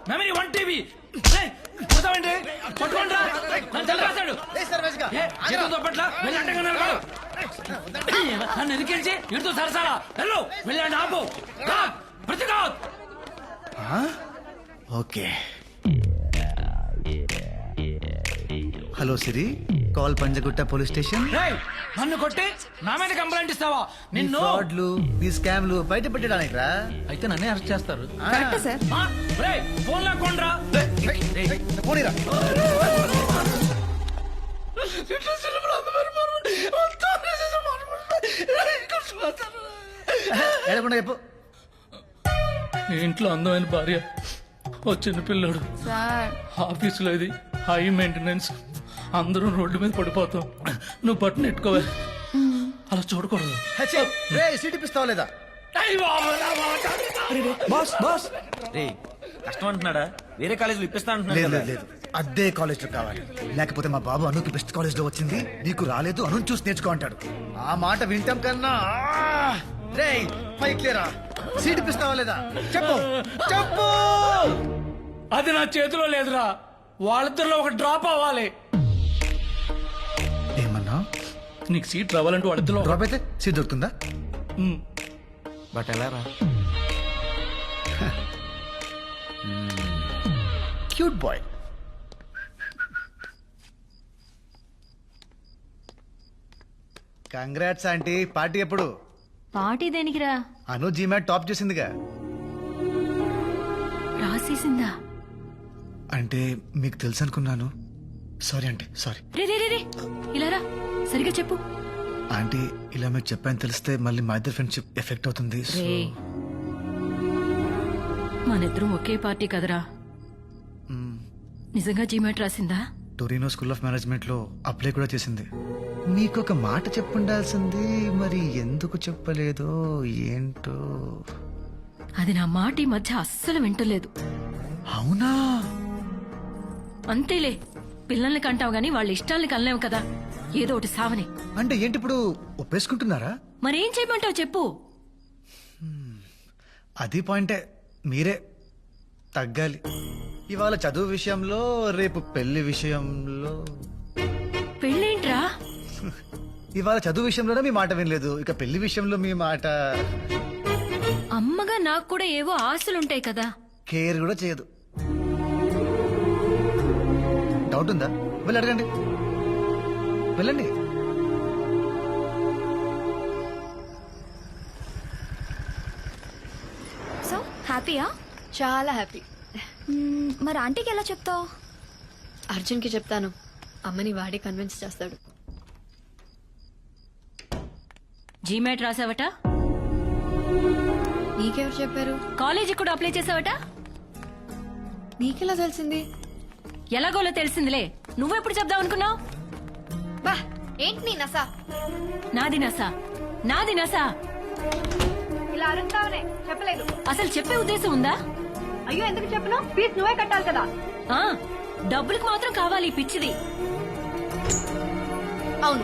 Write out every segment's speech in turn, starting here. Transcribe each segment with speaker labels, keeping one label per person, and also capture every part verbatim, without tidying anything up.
Speaker 1: Memory one TV పోతామండి పట్టుకోండి రాశాడు చేతులతో పట్ల వెళ్ళి అడ్డంగా నిలబడు. నన్ను ఎదికించి ఇటుతో సరసాలా వెళ్ళు వెళ్ళండి ఆపు ప్రతిఘాత్.
Speaker 2: Okay hello Siri, call Panjagutta police station.
Speaker 1: నన్ను కొట్టి నా మీద కంప్లైంట్ ఇస్తావా? నిన్ను
Speaker 2: ఫ్రాడ్లు ఈ స్కామ్లు బయట పెట్టడానికి రా.
Speaker 1: అయితే నన్నే అరెస్ట్ చేస్తారు. ఫోన్ లాక్కోండ్రా.
Speaker 2: ఎడకుండా చెప్పు.
Speaker 1: నీ ఇంట్లో అందమైన భార్య, ఓ చిన్న పిల్లడు, ఆఫీసులో ఇది హై మెయింటెనెన్స్, అందరూ రోడ్డు మీద పడిపోతాం. నువ్వు బట్టను నెట్టుకోవే, అలా చూడకూడదు.
Speaker 2: సీట్ ఇప్పిస్తావా లేదా?
Speaker 3: బాస్ బాస్ రే కష్టం అంటున్నాడా? వేరే కాలేజీలో ఇప్పిస్తా అంటున్నాడు.
Speaker 2: లేదు లేదు అదే కాలేజ్ లో కావాలి, లేకపోతే మా బాబు అనుకి బెస్ట్ కాలేజ్ లో వచ్చింది, నీకు రాలేదు, అను చూసి నేర్చుకో అంటాడు. ఆ మాట వింటాం కన్నా రే పైకి లేరా, సీట్ ఇప్పిస్తావా లేదా చెప్పు చెప్పు.
Speaker 1: అది నా చేతిలో లేదురా, వాళ్ళిద్దరిలో ఒక డ్రాప్ అవ్వాలి.
Speaker 2: ఏమన్నా?
Speaker 1: నీకు సీట్ రావాలంటే వాళ్ళిద్దరిలో
Speaker 2: డ్రాప్ అయితే సీట్ దొరుకుతుందా?
Speaker 3: బట్ ఎలా రా?
Speaker 2: Cute boy. Congrats aunty. Party ఎప్పుడు?
Speaker 4: పార్టీ దేనికిరా?
Speaker 2: అను జీమాట్ టాప్ చేసిందిగా.
Speaker 4: రాసేసిందా?
Speaker 2: అంటే మీకు తెలుసు అనుకున్నాను. Sorry aunty, sorry.
Speaker 4: రే రే రే రే ఇలా రా, సరిగా చెప్పు.
Speaker 2: ఆంటీ ఇలా మీకు చెప్పాను తెలిస్తే మళ్ళీ మా ఇద్దరు ఫ్రెండ్షిప్ ఎఫెక్ట్ అవుతుంది. సో
Speaker 4: రే మనిద్దరం ఒకే పార్టీ కదరా. నిజంగా జీమాట్ రాసిందా?
Speaker 2: టొరినో స్కూల్ ఆఫ్ మేనేజ్మెంట్ లో అప్లై కూడా చేసింది. మీకు ఒక మాట చెప్పుండాల్సింది, మరి ఎందుకు చెప్పలేదో ఏంటో.
Speaker 4: అది నా మాట ఈ మధ్య అస్సలు వింటలేదు.
Speaker 2: అవునా?
Speaker 4: అంతేలే, పిల్లల్ని కంటావు గాని వాళ్ళ ఇష్టాల్ని కనలేవు కదా, ఏదో ఒకటి సావని.
Speaker 2: అంటే ఏంటి ఇప్పుడు ఒప్పేసుకుంటున్నారా?
Speaker 4: మరేం చేయమంటావు చెప్పు.
Speaker 2: అది పాయింటే, మీరే తగ్గాలి. ఇవాళ చదువు విషయంలో, రేపు పెళ్లి విషయంలో.
Speaker 4: పెళ్ళేంట్రా?
Speaker 2: ఇవాళ చదువు విషయంలోనే మీ మాట వినలేదు, ఇక పెళ్లి విషయంలో మీ మాట.
Speaker 4: అమ్మగా నాకు కూడా ఏవో ఆశలుంటాయి కదా.
Speaker 2: కేర్ కూడా చేయదు. డౌట్ ఉందా? వెళ్ళి అడగండి, వెళ్ళండి.
Speaker 5: సో హ్యాపీయా?
Speaker 6: చాలా హ్యాపీ.
Speaker 5: మరి ఆంటీకి ఎలా చెప్తావు?
Speaker 6: అర్జున్కి చెప్తాను, అమ్మని వాడే కన్విన్స్ చేస్తాడు.
Speaker 4: జీమాట్ రాసావట?
Speaker 6: నీకెవరు చెప్పారు?
Speaker 4: కాలేజీ కూడా అప్లై చేసావట?
Speaker 6: నీకెలా తెలిసింది?
Speaker 4: ఎలాగోలో తెలిసిందిలే, నువ్వెప్పుడు చెప్దాం అనుకున్నావు?
Speaker 5: బా ఏంటి నీ నసా?
Speaker 4: నాది నసా, నాది నసా.
Speaker 5: ఇలా అరుస్తావునే చెప్పలేదు.
Speaker 4: అసలు చెప్పే ఉద్దేశం ఉందా?
Speaker 5: అయ్యో ఎందుకు చెప్పను? ఫీజు నువ్వే కట్టాలి కదా.
Speaker 4: ఆ డబ్బులకు మాత్రం కావాలి ఈ పిచ్చిది.
Speaker 6: అవును,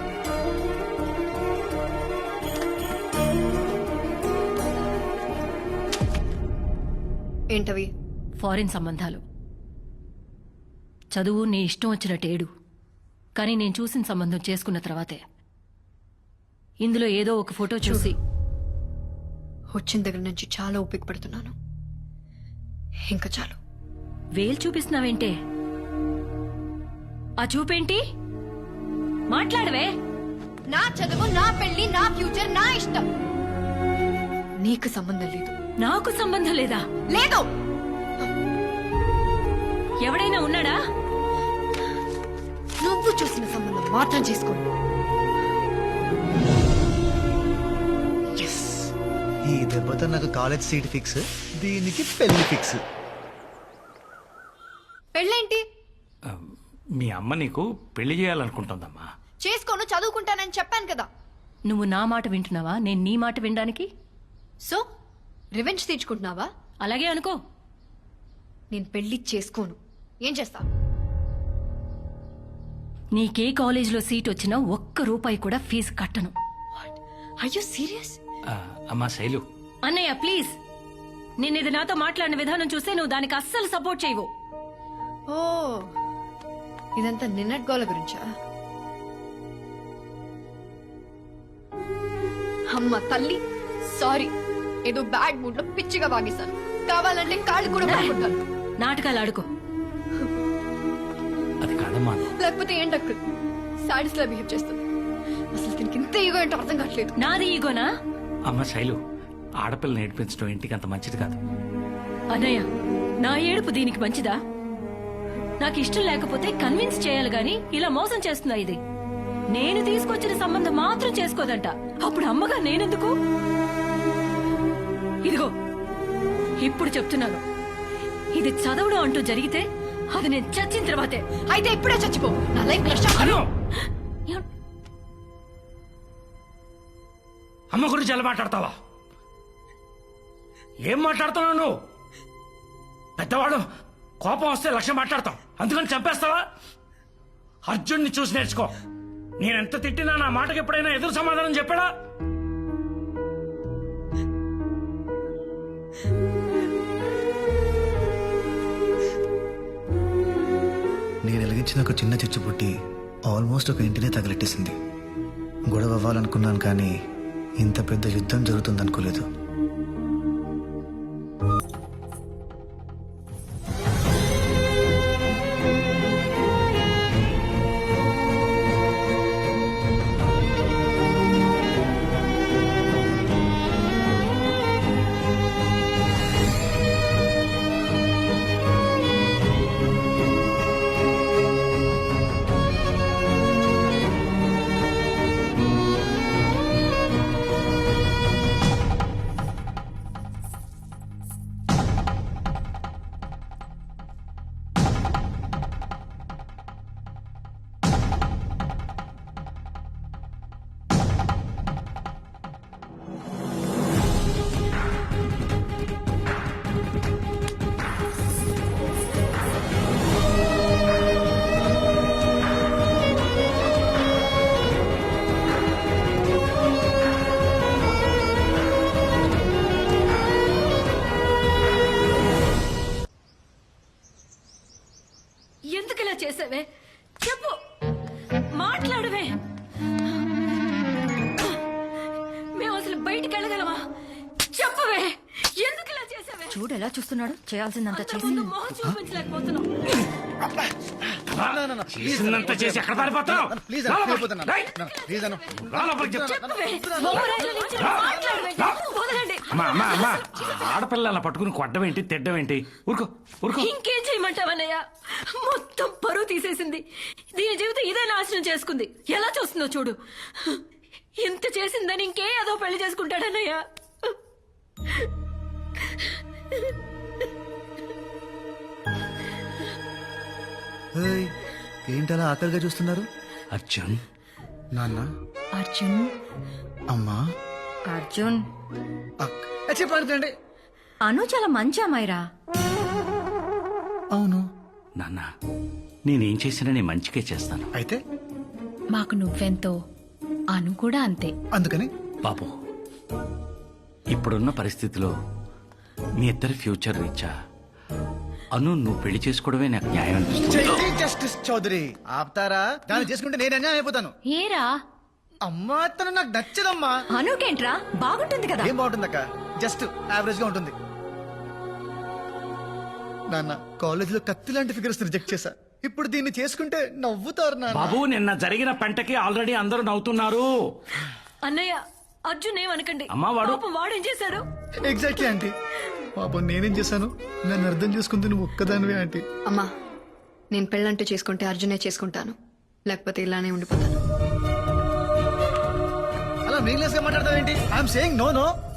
Speaker 6: ఏంటవి?
Speaker 4: ఫారిన్ సంబంధాలు. చదువు నీ ఇష్టం వచ్చినట్టేడు, కానీ నేను చూసిన సంబంధం చేసుకున్న తర్వాతే ఇందులో ఏదో ఒక ఫోటో చూసి
Speaker 6: వచ్చిన దగ్గర నుంచి చాలా ఓపిక పడుతున్నాను. ఇంకా చాలు.
Speaker 4: వేలు చూపిస్తున్నావేంటే? ఆ చూపేంటి? మాట్లాడవే.
Speaker 6: నా చదువు, నా పెళ్లి, నా ఫ్యూచర్, నా ఇష్టం. నీకు సంబంధం లేదు.
Speaker 4: నాకు సంబంధం లేదా?
Speaker 6: లేదు.
Speaker 4: ఎవడైనా ఉన్నాడా?
Speaker 6: నువ్వు చూసిన సంబంధం మాత్రం చేసుకోండి.
Speaker 2: ఈ దెబ్బతో నాకు కాలేజ్ సీట్ ఫిక్స్, దీనికి పెళ్లి ఫిక్స్.
Speaker 6: పెళ్ళేంటి?
Speaker 1: మీ అమ్మ నీకు పెళ్లి చేయాలనుకుంటుందమ్మా.
Speaker 6: చేసుకోను, చదువుకుంటానని చెప్పాను కదా.
Speaker 4: నువ్వు నా మాట వింటున్నావా, నేను నీ మాట వినడానికి?
Speaker 6: సో రివెంజ్ తీర్చుకుంటున్నావా?
Speaker 4: అలాగే అనుకో.
Speaker 6: నేను పెళ్లి చేసుకోను. ఏం చేస్తా?
Speaker 4: నీకే కాలేజీలో సీట్ వచ్చినా ఒక్క రూపాయి కూడా ఫీజు కట్టను.
Speaker 6: Are you serious?
Speaker 1: అమ్మా శైలు,
Speaker 4: అన్నయ్య ప్లీజ్. నేను ఇది నాతో మాట్లాడిన విధానం చూస్తే నువ్వు దానికి అస్సలు సపోర్ట్ చేయవు.
Speaker 6: ఓ ఇదంతా నిన్నటి గోల గురించా? అమ్మ తల్లి సారీ, ఏదో బ్యాడ్ మూడ్ లో పిచ్చిగా వాగేశాను. కావాలంటే కాళ్ళు కూడా పట్టుకుంటాను.
Speaker 4: నాటకాలు ఆడుకో.
Speaker 3: అది కాదమ్మా.
Speaker 6: లేకపోతే ఏంటక్క సాడీస్ లా బిహేవ్ చేస్తుంది. అసలు దీనికి ఇంత ఈగో ఏంటో అర్థం కావట్లేదు.
Speaker 4: నాది ఈగోనా?
Speaker 3: అమ్మ శైలు, ఆడపిల్లని నేర్పించడం ఇంటికి అంత మంచిది కాదు.
Speaker 4: అన్నయ్య, నా ఏడుపు దీనికి మంచిదా? నాకు ఇష్టం లేకపోతే కన్విన్స్ చేయాలి గాని ఇలా మోసం చేస్తుందా ఇది? నేను తీసుకొచ్చిన సంబంధం మాత్రం చేసుకోదంట. అప్పుడు అమ్మగా నేనెందుకు? ఇదిగో ఇప్పుడు చెప్తున్నాను, ఇది చదవడం అంటూ జరిగితే అది నేను చచ్చిన తర్వాతే.
Speaker 6: అయితే ఇప్పుడే చచ్చిపో. నా లైఫ్ లో
Speaker 4: ఏం-
Speaker 3: అమ్మ గురించి ఎలా మాట్లాడతావా? ఏం మాట్లాడుతున్నావు నువ్వు? పెద్దవాడు కోపం వస్తే లక్ష్యం మాట్లాడతావు, అందుకని చంపేస్తావా? అర్జున్ని చూసి నేర్చుకో. నేనెంత తిట్టినా నా మాటకి ఎప్పుడైనా ఎదురు సమాధానం చెప్పాడా?
Speaker 2: నేను వెలిగించిన ఒక చిన్న చిచ్చు పుట్టి ఆల్మోస్ట్ ఒక ఇంటినే తగిలెట్టేసింది. గొడవ అవ్వాలనుకున్నాను కానీ ఇంత పెద్ద యుద్ధం జరుగుతుంది అనుకోలేదు.
Speaker 4: ఎందుకు ఇలా చేసావే? చెప్పు, మాట్లాడవే. మేము అసలు బయటికి వెళ్ళగలమా? చెప్పవే, ఎందుకు ఇలా చేసావే? చూడు ఎలా చూస్తున్నాడు. చేయాల్సిందంతా చేసి మొహం చూపించలేకపోతున్నాం.
Speaker 3: చేసిందంతా చేసి ఎక్కడ పారిపోతున్నావు?
Speaker 2: ప్లీజ్ ప్లీజ్ అన్న.
Speaker 4: చెప్పవే, మొహరాయిల నుంచి మాట్లాడవే. వదలండి.
Speaker 3: అమ్మా అమ్మా అమ్మా, ఆడపిల్ల అలా పట్టుకుని కొట్టడం ఏంటి, తిట్టడం ఏంటి? ఊరుకో ఊరుకో.
Speaker 4: ఇంకేం చేయమంటావన్నయ్య? మొత్తం పరువు తీసేసింది. దీని జీవితం ఇదే నాశనం చేసుకుంది. ఎలా చూస్తుందో చూడు. ఇంత చేసిందని ఇంకే ఏదో పెళ్లి చేసుకుంటాడన్నయ్య.
Speaker 2: ఏయ్, ఏంటలా ఆకలిగా చూస్తున్నారు?
Speaker 3: అర్జున్,
Speaker 2: నాన్న,
Speaker 4: అర్జున్,
Speaker 2: అమ్మా,
Speaker 4: అర్జున్,
Speaker 2: అక్క చెప్పండి.
Speaker 4: అను చాలా మంచి అమ్మాయిరా.
Speaker 2: అవును,
Speaker 3: నాన్న నేనేం చేసినా నేను మంచిగా చేస్తాను.
Speaker 2: అయితే
Speaker 6: మాకు నువ్వెంతో అను కూడా అంతే.
Speaker 2: అందుకని
Speaker 3: బాబు, ఇప్పుడున్న పరిస్థితిలో మీ ఇద్దరి ఫ్యూచర్ రీచా అను నువ్వు పెళ్లి చేసుకోవడమే నాకు న్యాయం అనిపిస్తుంది.
Speaker 2: జస్టిస్ చౌదరి ఆపుతారా? దాన్ని చేసుకుంటే నేను అన్యాయం అయిపోతాను.
Speaker 4: ఏరా?
Speaker 2: అమ్మా తను నాకు నచ్చదమ్మా.
Speaker 4: అనుకేంట్రా, బాగుంటుంది కదా.
Speaker 2: ఏం బాగుంటుందక్క, జస్ట్ యావరేజ్ గా ఉంటుంది. నాన్న కాలేజ్ లో కత్తి లాంటి ఫిగర్స్ రిజెక్ట్ చేశా. ఇప్పుడు దీన్ని చేసుకుంటే నవ్వుతారు నాన్న.
Speaker 3: బాబు, నిన్న జరిగిన పంటకి ఆల్రెడీ అందరూ నవ్వుతున్నారు.
Speaker 4: అన్నయ్య, అర్జున్ ఏమనకండి.
Speaker 3: అమ్మా, వాడు-
Speaker 4: పాపం వాడేం చేశాడు?
Speaker 2: Exactly aunty. పాపం నేనేం చేశాను? నన్ను అర్థం చేసుకుంది నువ్వు ఒక్కదానివే ఆంటీ.
Speaker 6: అమ్మా, నేను పెళ్ళంటూ చేసుకుంటే అర్జునే చేసుకుంటాను, లేకపోతే ఇలానే ఉండిపోతాను.
Speaker 2: అలా మీనింగ్లెస్ గా మాట్లాడతావేంటి? I'm saying no no.